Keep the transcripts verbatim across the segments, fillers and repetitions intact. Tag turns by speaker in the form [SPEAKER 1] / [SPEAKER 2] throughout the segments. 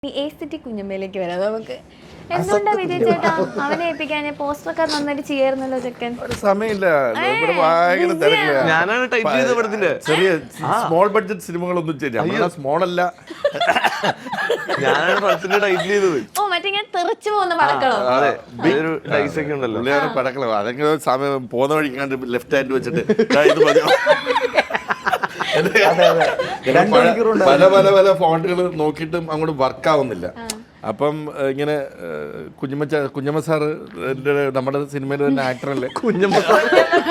[SPEAKER 1] Aesthetic കുഞ്ഞമ്മയിലേക്ക് വരാം നമുക്ക്. എന്തുകൊണ്ടാ വിജയ് ചേട്ടാ അവനെ ഏൽപ്പിക്കാൻ? പോസ്റ്ററൊക്കെ നന്നായിട്ട് ചെയ്യായിരുന്നല്ലോ ചെക്കൻ.
[SPEAKER 2] ഒരു സമയമില്ല, ഇവിടെ ഭയങ്കര തിരക്കില്ല.
[SPEAKER 3] ഞാനാണ് ടൈപ്പ് ചെയ്ത പടത്തിന്റെ
[SPEAKER 2] ചെറിയ സ്മോൾ ബഡ്ജറ്റ് സിനിമകളൊന്നും ചെയ്യാം. സ്മോൾ അല്ല,
[SPEAKER 3] ഞാനാണ് പടത്തിന്റെ ടൈറ്റിൽ ചെയ്തത്.
[SPEAKER 1] ഓ മറ്റേ ഞാൻ തെറിച്ചു പോകുന്ന പടക്കളോ?
[SPEAKER 3] അതെ, ഒരു ഡൈസ് ഒക്കെ ഉണ്ടല്ലോ.
[SPEAKER 2] പുള്ളിയാണ് പടക്കളോ. അതെങ്ങനെ സമയം പോകുന്ന വഴിക്കാണ്ട് ലെഫ്റ്റ് ഹാൻഡ് വെച്ചിട്ട് ദാ ഇത് മതിയോ. പല പല പല ഫോണ്ടുകൾ നോക്കിയിട്ടും അങ്ങോട്ട് വർക്ക് ആവുന്നില്ല. അപ്പം ഇങ്ങനെ കുഞ്ഞമ്മ കുഞ്ഞമ്മ സാറ് നമ്മുടെ സിനിമയിൽ തന്നെ ആക്ടറല്ലേ കുഞ്ഞമ്മ സാർ.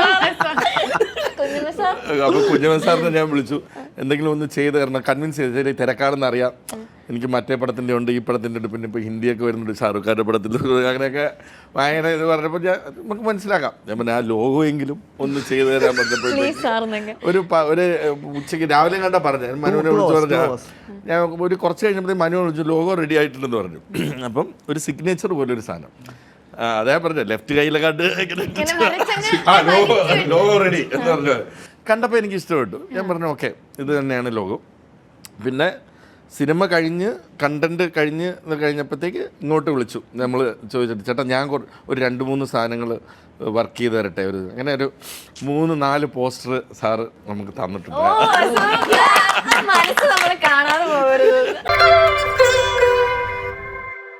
[SPEAKER 2] അപ്പൊ കുഞ്ഞമ്മ സാറിനെ ഞാൻ വിളിച്ചു, എന്തെങ്കിലും ഒന്ന് ചെയ്ത് തരണം, കൺവിൻസ് ചെയ്ത് ശരി തിരക്കാണെന്ന് അറിയാം, എനിക്ക് മറ്റേ പടത്തിൻ്റെ ഉണ്ട്, ഈ പടത്തിൻ്റെ ഉണ്ട്, പിന്നെ ഇപ്പോൾ ഹിന്ദിയൊക്കെ വരുന്നുണ്ട്, ഷാറുഖ് ഖാൻ്റെ പടത്തിൽ, അങ്ങനെയൊക്കെ ഭയങ്കര ഇത് പറഞ്ഞപ്പോൾ ഞാൻ നമുക്ക് മനസ്സിലാക്കാം. ഞാൻ പിന്നെ ആ ലോഗോ എങ്കിലും ഒന്ന് ചെയ്തു തരാൻ പറഞ്ഞപ്പോഴത്തേക്ക് ഒരു ഒരു ഉച്ചയ്ക്ക് രാവിലെ കണ്ടാ പറഞ്ഞു, മനുവിനെ വിളിച്ചു പറഞ്ഞാൽ ഞാൻ ഒരു കുറച്ച് കഴിഞ്ഞപ്പോഴത്തേക്ക് മനു വിളിച്ചു ലോഗോ റെഡി ആയിട്ടുണ്ടെന്ന് പറഞ്ഞു. അപ്പം ഒരു സിഗ്നേച്ചർ പോലെ ഒരു സാധനം അതേ പറഞ്ഞ ലെഫ്റ്റ് കയ്യിലെ കണ്ട് ലോഗോ റെഡി എന്ന് പറഞ്ഞു. കണ്ടപ്പോൾ എനിക്ക് ഇഷ്ടപ്പെട്ടു. ഞാൻ പറഞ്ഞു ഓക്കെ ഇത് തന്നെയാണ് ലോഗോ. പിന്നെ സിനിമ കഴിഞ്ഞ് കണ്ടന്റ് കഴിഞ്ഞ് കഴിഞ്ഞപ്പോഴത്തേക്ക് ഇങ്ങോട്ട് വിളിച്ചു. നമ്മൾ ചോദിച്ചിട്ട് ചേട്ടാ ഞാൻ ഒരു രണ്ട് മൂന്ന് സാധനങ്ങൾ വർക്ക് ചെയ്ത് തരട്ടെ, ഒരു അങ്ങനെ ഒരു മൂന്ന് നാല് പോസ്റ്റർ സാറ് നമുക്ക് തന്നിട്ടുണ്ട്.
[SPEAKER 1] മനസ്സ് നമ്മൾ കാണാതെ പോകരുത്.